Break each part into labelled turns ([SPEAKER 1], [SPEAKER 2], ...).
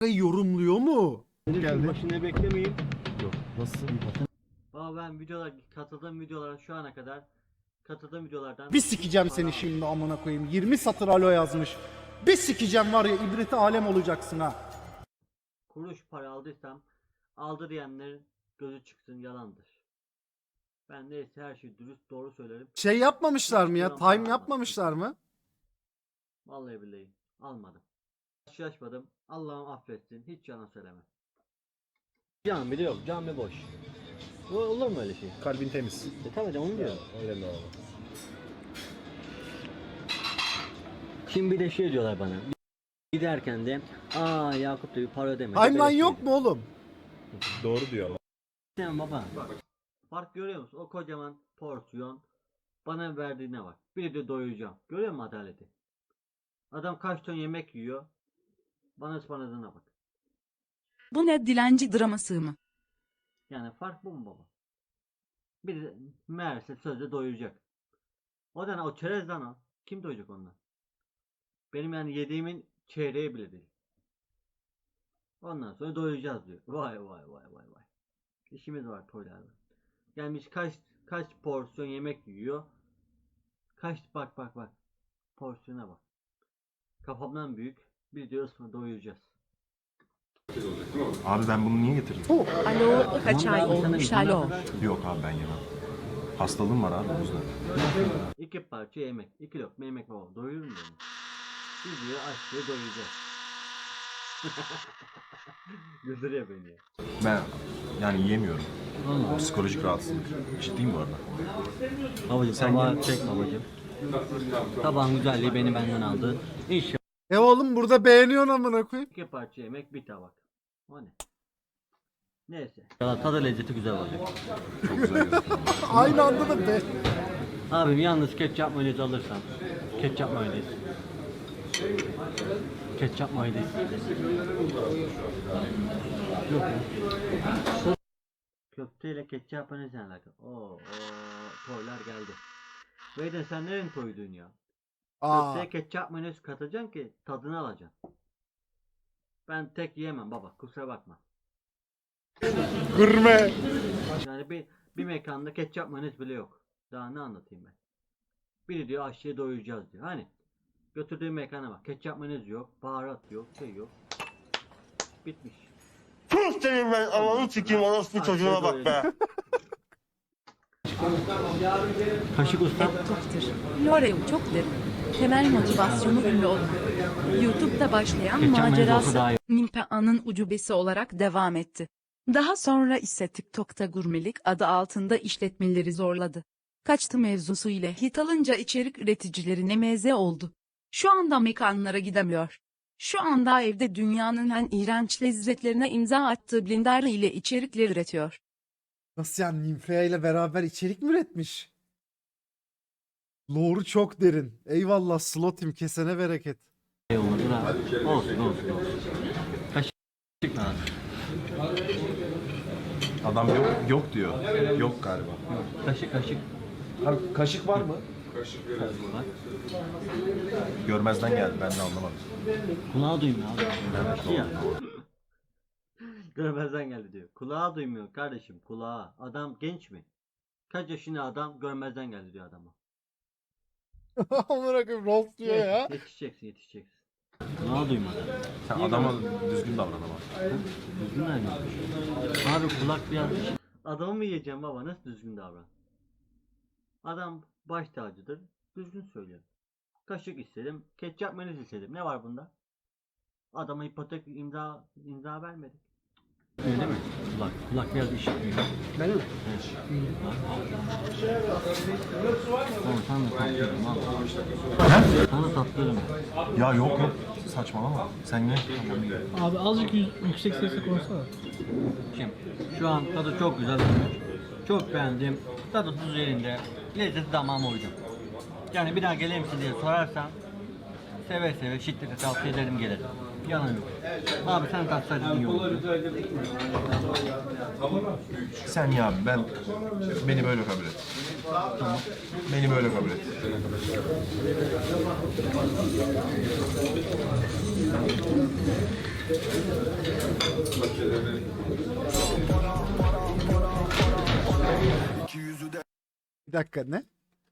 [SPEAKER 1] yorumluyor mu?
[SPEAKER 2] Geldi. Başını beklemeyin.
[SPEAKER 3] Yok. Nasıl?
[SPEAKER 2] Valla ben katıldığım videolara şu ana kadar katıldığım videolardan
[SPEAKER 1] Bir sikeceğim seni şimdi amına koyayım. 20 satır alo yazmış. Bir sikeceğim var ya, ibreti alem olacaksın ha.
[SPEAKER 2] kuruş para aldıysam aldı diyenlerin gözü çıksın, yalandır. Ben neyse her şeyi dürüst doğru söylerim.
[SPEAKER 1] Şey yapmamışlar mı ya? Time yapmamışlar mı?
[SPEAKER 2] Vallahi billahi almadım. Karşılaşmadım. Allah'ım affetsin. Hiç yalan söylemem. Cami de yok. Cami boş. Olur mu öyle şey?
[SPEAKER 3] Kalbin temiz.
[SPEAKER 2] Tabii de onu diyorum.
[SPEAKER 3] Öyle mi abi?
[SPEAKER 2] Şimdi bir de şey diyorlar bana. Giderken de Yakup da bir para ödemedi.
[SPEAKER 1] Timeline yok mu oğlum?
[SPEAKER 3] Doğru diyor ama.
[SPEAKER 2] Sen baba. Fark görüyor musun? O kocaman porsiyon bana verdiğine bak. Bir de doyuracağım. Görüyor musun adaleti? Adam kaç ton yemek yiyor. Bana ısmarladığına bak.
[SPEAKER 4] Bu ne dilenci draması mı?
[SPEAKER 2] Yani fark bu mu baba? Bir de meğerse sözde doyuracak. O da ne? O çerez lan o. Kim doyacak ondan? Benim yani yediğimin çeyreği bile değil. Ondan sonra doyuracağız diyor. Vay vay vay vay vay. İşimiz var toylarda. Gelmiş kaç porsiyon yemek yiyor. Bak bak bak. Porsiyona bak. Kafamdan büyük. Bir diyoruz sonra doyuracağız.
[SPEAKER 5] Abi ben bunu niye getirdim?
[SPEAKER 4] Alo kaç ay olmuş alo.
[SPEAKER 5] Yok abi ben yemem. Hastalığım var abi o yüzden.
[SPEAKER 2] 2 parça yemek. 2 lokma yemek baba. Doyurur mu beni? Bir diyor aç diye doyuracağız. Güldürüyor beni ya.
[SPEAKER 5] Ben yani yiyemiyorum. Psikolojik rahatsızlık. Ciddiyim bu arada.
[SPEAKER 2] Babacım
[SPEAKER 5] Sen
[SPEAKER 2] tabağı çek babacım. Tabağın güzelliği beni benden aldı. İnşallah
[SPEAKER 1] Oğlum burada beğeniyorsun amına koyayım.
[SPEAKER 2] 2 parça yemek bir tabak. O ne? Neyse. Ya tadı lezzeti güzel olacak.
[SPEAKER 5] Çok güzel gözüküyor.
[SPEAKER 1] Aynı anda da be.
[SPEAKER 2] Abim yalnız ketçap mayonez alırsan. Ketçap mayonez. Ketçap mayonez. Yok ya. Köfteyle ketçap mayonez ne alaka? Oo, toylar geldi. Beyden sen nerenin toydun ya?
[SPEAKER 1] Aa,
[SPEAKER 2] Köfteye ketçap mayonez katacaksın ki tadını alacaksın. Ben tek yiyemem baba, kusura bakma.
[SPEAKER 1] gurme.
[SPEAKER 2] Yani bir mekanda ketçap mayonez bile yok. Daha ne anlatayım ben? Biri diyor aşçıya doyuracağız diyor. Hani götürdüğü mekana bak. Ketçap mayonez yok, baharat yok, şey yok. Bitmiş.
[SPEAKER 6] Sus senin ben ananı sikeyim orospu çocuğuna bak be.
[SPEAKER 2] Kaşık ustam.
[SPEAKER 4] Toptur. Lore çok derin. Temel motivasyonu ünlü olmak. YouTube'da başlayan
[SPEAKER 2] Ketçap mayonez olsa
[SPEAKER 4] macerası
[SPEAKER 2] daha iyi.
[SPEAKER 4] Nimpea'nın ucubesi olarak devam etti. Daha sonra ise TikTok'ta gurmelik adı altında işletmeleri zorladı. Kaçtı mevzusu ile hit alınca içerik üreticilerine meze oldu. Şu anda mekanlara gidemiyor. Şu anda evde dünyanın en iğrenç lezzetlerine imza attığı Blender ile içerikler üretiyor.
[SPEAKER 1] Nasıl yani, Nimfea ile beraber içerik mi üretmiş? Lore'u çok derin. Eyvallah Slotim, kesene bereket.
[SPEAKER 2] Şey olmadı da. Olsun. Kaşık lan.
[SPEAKER 5] Adam yok diyor. Yok galiba.
[SPEAKER 2] Kaşık.
[SPEAKER 3] Abi kaşık var mı?
[SPEAKER 2] Bak.
[SPEAKER 5] Görmezden geldi ben de anlamadım.
[SPEAKER 2] Kulağı duymuyor abi. Evet, ya. Görmezden geldi diyor. Kulağı duymuyor kardeşim, kulağı. Adam genç mi? Kaç yaşında adam görmezden geldi diyor adama.
[SPEAKER 1] Amına koyayım, roast diyor ya.
[SPEAKER 2] Yetişeceksin. Kulağı duymadı.
[SPEAKER 5] Sen
[SPEAKER 2] Niye
[SPEAKER 5] adama düzgün davran ama.
[SPEAKER 2] Düzgün davran. Abi kulak biraz... Adamı mı yiyeceğim baba? Nasıl düzgün davran? Adam baş tacıdır. Düzgün söylüyor. Kaşık istedim. Ketçap mayonez istedim. Ne var bunda? Adama ipotek imza vermedik. Öyle mi? Kulak biraz işitmiyor. Ben mi? Evet. Oğlum sana da tatlıyım al. Sana tatlıyım.
[SPEAKER 5] Ya yok. Saçmalama. Sen ye. Tamam, ye.
[SPEAKER 7] Abi azıcık yüksek sesle konuşsana.
[SPEAKER 2] Şimdi şu an tadı çok güzel olmuş. Çok beğendim. Tadı tuz yerinde. Lezzeti damağıma uydu. Yani bir daha gelir misin diye sorarsan seve şiddetle tavsiye ederim gelirim. Yalan yok. Abi sen tatsaydın iyi olurdu.
[SPEAKER 5] Sen ya beni böyle kabul et. Beni böyle kabul et.
[SPEAKER 1] Bir dakika ne?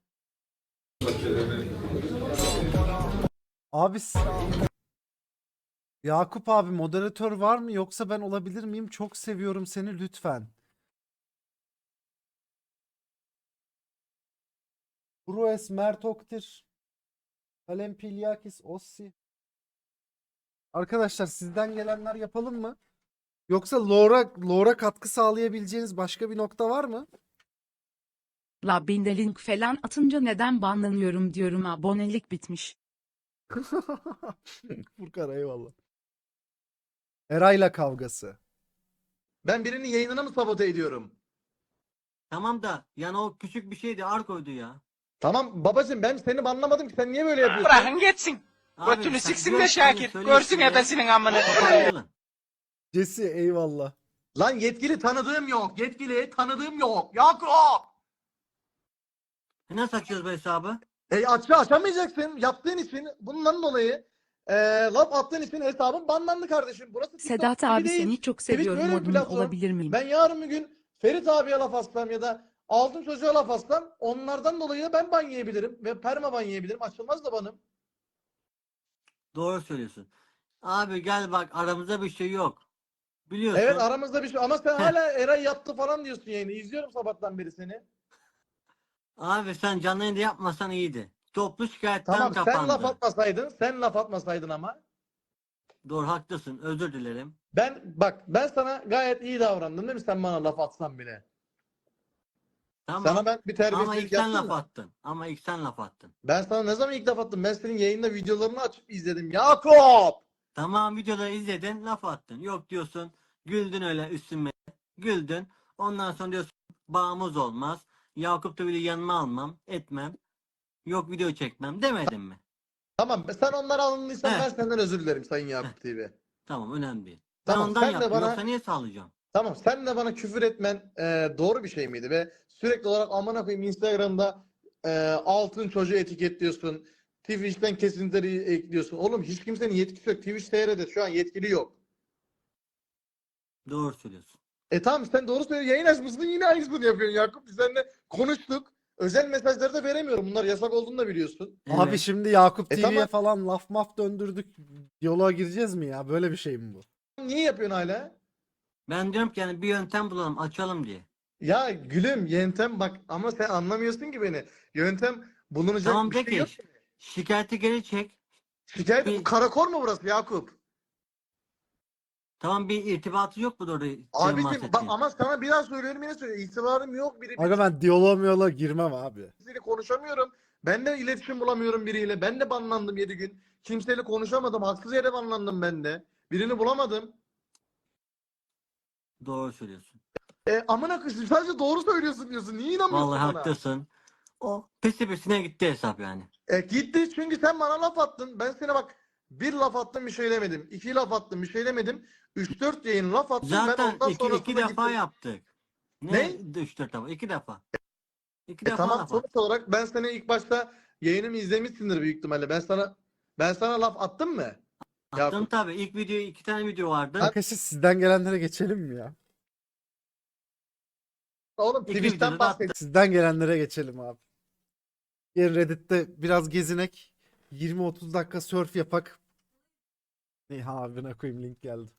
[SPEAKER 1] Abi Yakup abi moderatör var mı yoksa ben olabilir miyim? Çok seviyorum seni lütfen. Brues, Mert Oktir, Kalem Pilyakis, Ossi. Arkadaşlar sizden gelenler yapalım mı? Yoksa lore'a katkı sağlayabileceğiniz başka bir nokta var mı?
[SPEAKER 4] La ben de link falan atınca neden banlanıyorum diyorum, abonelik bitmiş.
[SPEAKER 1] Furkan eyvallah. Eray'la kavgası.
[SPEAKER 8] Ben birinin yayınını mı sabote ediyorum?
[SPEAKER 2] Tamam da yani o küçük bir şeydi, Arko'ydu ya.
[SPEAKER 8] Tamam babacığım, ben seni anlamadım ki, sen niye böyle yapıyorsun?
[SPEAKER 9] Bırakın geçsin.
[SPEAKER 2] Abi,
[SPEAKER 9] Götünü
[SPEAKER 2] sen
[SPEAKER 9] siksin
[SPEAKER 2] diyorsun,
[SPEAKER 9] de Şakir.
[SPEAKER 2] söyle
[SPEAKER 9] Görsün
[SPEAKER 2] işte ya.
[SPEAKER 9] ebesinin amını.
[SPEAKER 2] Toparlayalım.
[SPEAKER 1] Jesse eyvallah.
[SPEAKER 8] Lan yetkili tanıdığım yok. Yetkili tanıdığım yok. Yakup!
[SPEAKER 2] Nasıl açıyoruz bu hesabı?
[SPEAKER 8] Açamayacaksın. Yaptığın için bundan dolayı laf attığın için hesabın banlandı kardeşim. Burası TikTok
[SPEAKER 4] Sedat
[SPEAKER 8] gibi
[SPEAKER 4] abi
[SPEAKER 8] değil.
[SPEAKER 4] seni çok
[SPEAKER 8] Twitch
[SPEAKER 4] seviyorum,
[SPEAKER 8] böyle bir
[SPEAKER 4] modun
[SPEAKER 8] platform.
[SPEAKER 4] olabilir miyim?
[SPEAKER 8] Ben yarın bir gün Ferit abiye laf atsam ya da Altın Çocuğa laf atsam, onlardan dolayı da ben ban yiyebilirim. Ve perma ban yiyebilirim. Açılmaz da banım.
[SPEAKER 2] Doğru söylüyorsun. Abi gel bak, aramızda bir şey yok. Biliyorsun.
[SPEAKER 8] Evet, aramızda bir şey. Ama sen hala Eray yaptı falan diyorsun yayını. İzliyorum sabahtan beri seni.
[SPEAKER 2] Abi sen canlı yayında yapmasan iyiydi. Toplu şikayetten
[SPEAKER 8] Tamam,
[SPEAKER 2] kapandı.
[SPEAKER 8] sen laf atmasaydın ama.
[SPEAKER 2] Doğru, haklısın. Özür dilerim.
[SPEAKER 8] Ben sana gayet iyi davrandım değil mi, sen bana laf atsan bile?
[SPEAKER 2] Tamam.
[SPEAKER 8] Sana ben bir
[SPEAKER 2] Ama
[SPEAKER 8] terbiyesizlik
[SPEAKER 2] ilk sen
[SPEAKER 8] yaptım
[SPEAKER 2] laf
[SPEAKER 8] mı?
[SPEAKER 2] attın. Ama ilk sen laf attın.
[SPEAKER 8] Ben sana ne zaman ilk laf attım? Ben senin yayında videolarını açıp izledim. Yakup!
[SPEAKER 2] Tamam, videoları izledin, laf attın. Yok diyorsun, güldün öyle üstüme. Güldün. Ondan sonra diyorsun bağımız olmaz. Yakup da bile yanıma almam, etmem. Yok video çekmem demedin mi?
[SPEAKER 8] Tamam, sen onlara alındıysan
[SPEAKER 2] Heh.
[SPEAKER 8] ben senden özür dilerim Sayın Yakup TV.
[SPEAKER 2] Tamam, önemli değil. Ben
[SPEAKER 8] Tamam,
[SPEAKER 2] ondan
[SPEAKER 8] sen de
[SPEAKER 2] yaptım.
[SPEAKER 8] bana-
[SPEAKER 2] Yoksa niye sağlayacağım?
[SPEAKER 8] Tamam, sen de bana küfür etmen doğru bir şey miydi? Ve sürekli olarak amına koyayım Instagram'da altın çocuğu etiketliyorsun. Twitch'ten kesintileri ekliyorsun. Oğlum hiç kimsenin yetkisi yok. Twitch TR'de şu an yetkili yok.
[SPEAKER 2] Doğru söylüyorsun.
[SPEAKER 8] Tamam, sen doğru söylüyorsun. Yayın açmışsın, yine aynısını yapıyorsun Yakup. Biz seninle konuştuk. Özel mesajları da veremiyorum. Bunlar yasak olduğunu da biliyorsun.
[SPEAKER 1] Abi
[SPEAKER 2] Evet.
[SPEAKER 1] şimdi Yakup TV'ye
[SPEAKER 8] tamam.
[SPEAKER 1] falan laf maf döndürdük. Diyaloğa gireceğiz mi ya? Böyle bir şey mi bu?
[SPEAKER 8] Niye yapıyorsun hala?
[SPEAKER 2] Ben diyorum ki yani bir yöntem bulalım, açalım diye.
[SPEAKER 8] Ya gülüm, yöntem bak, ama sen anlamıyorsun ki beni. Yöntem bulunacak
[SPEAKER 2] Tamam
[SPEAKER 8] bir şey
[SPEAKER 2] peki.
[SPEAKER 8] yok.
[SPEAKER 2] Şikayeti geri çek.
[SPEAKER 8] Şikayet
[SPEAKER 2] Bir-
[SPEAKER 8] karakol mu burası Yakup?
[SPEAKER 2] Tamam, bir irtibatı yok mu doğru?
[SPEAKER 8] Abiciğim bak, ama sana bir daha söylüyorum, yine söylüyorum. İtibarım yok,
[SPEAKER 1] Aga ben diyaloğa girmem abi.
[SPEAKER 8] birisiyle konuşamıyorum. Ben de iletişim bulamıyorum biriyle. Ben de banlandım 7 gün. Kimseyle konuşamadım. Haksız yere banlandım ben de. Birini bulamadım.
[SPEAKER 2] Doğru söylüyorsun.
[SPEAKER 8] Amına koyayım, sadece doğru söylüyorsun diyorsun. Niye inanmıyorsun
[SPEAKER 2] Vallahi
[SPEAKER 8] bana?
[SPEAKER 2] haklısın. O pisi pisine gitti hesap yani.
[SPEAKER 8] Gitti çünkü sen bana laf attın. Ben sana bak, bir laf attım bir şey demedim. 2 laf attım bir şey demedim. 3-4 yayın laf attım. Ben
[SPEAKER 2] Zaten
[SPEAKER 8] ondan
[SPEAKER 2] iki
[SPEAKER 8] sonrasında
[SPEAKER 2] defa
[SPEAKER 8] gittim.
[SPEAKER 2] yaptık.
[SPEAKER 8] Ne?
[SPEAKER 2] 3-4 defa. 2 defa. 2 defa
[SPEAKER 8] Tamam,
[SPEAKER 2] laf
[SPEAKER 8] sonuç
[SPEAKER 2] attık.
[SPEAKER 8] olarak ben seni ilk başta yayınımı izlemişsindir büyük ihtimalle. Ben sana laf attım mı?
[SPEAKER 2] Attım
[SPEAKER 8] Yakup.
[SPEAKER 2] tabii. İlk video 2 tane video vardı.
[SPEAKER 1] Arkadaşlar sizden gelenlere geçelim mi ya?
[SPEAKER 8] Oğlum
[SPEAKER 2] İki
[SPEAKER 8] Twitch'ten
[SPEAKER 2] videoda da
[SPEAKER 8] bahset.
[SPEAKER 1] Sizden gelenlere geçelim abi. Yarın Reddit'te biraz gezinek. 20-30 dakika surf yapak. Ne abine koyayım, link geldi.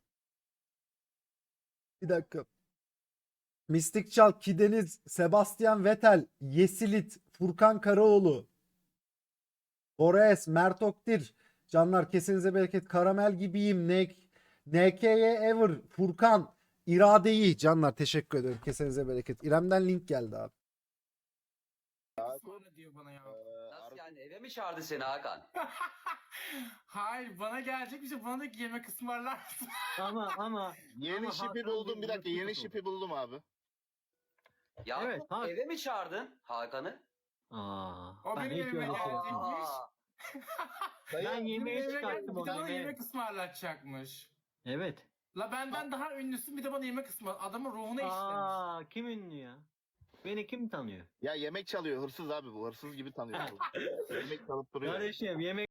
[SPEAKER 1] Bir dakika. Mystic Çal, Kideniz, Sebastian Vettel, Yesilit, Furkan Karaoğlu, Boreas, Mert Oktir, canlar kesinize bereket, Karamel gibiyim, NK'ye Ever, Furkan, İradeyi, canlar teşekkür ederim, kesinize bereket. İrem'den link geldi abi.
[SPEAKER 7] Sonra diyor bana ya.
[SPEAKER 9] Nasıl yani, eve mi çağırdı seni Hakan?
[SPEAKER 7] Hayır, bana gelecek bir şey, bana da yemek ısmarlar mısın?
[SPEAKER 2] Ama
[SPEAKER 6] Yeni şipi buldum, bir dakika, yeni şipi buldum abi.
[SPEAKER 9] Ya
[SPEAKER 2] Evet, Hakan.
[SPEAKER 9] eve mi çağırdın Hakan'ı?
[SPEAKER 7] O
[SPEAKER 2] Ben
[SPEAKER 7] benim
[SPEAKER 2] hiç
[SPEAKER 7] evime
[SPEAKER 2] öyle şey
[SPEAKER 7] gelecekmiş.
[SPEAKER 9] Aa,
[SPEAKER 2] Ben yemeğe
[SPEAKER 7] Benim eve
[SPEAKER 2] çıkarttım
[SPEAKER 7] gelip bir de
[SPEAKER 2] onu.
[SPEAKER 7] bana
[SPEAKER 2] yemeğe.
[SPEAKER 7] yemek ısmarlatacakmış.
[SPEAKER 2] Evet.
[SPEAKER 7] La benden daha ünlüsün, bir de bana yemek ısmar. Adamın ruhuna işlemiş.
[SPEAKER 2] Kim ünlü ya? Beni kim tanıyor?
[SPEAKER 6] Ya yemek çalıyor hırsız abi bu. Hırsız gibi tanıyor. Yemek çalıp duruyor.
[SPEAKER 2] Kardeşim yemek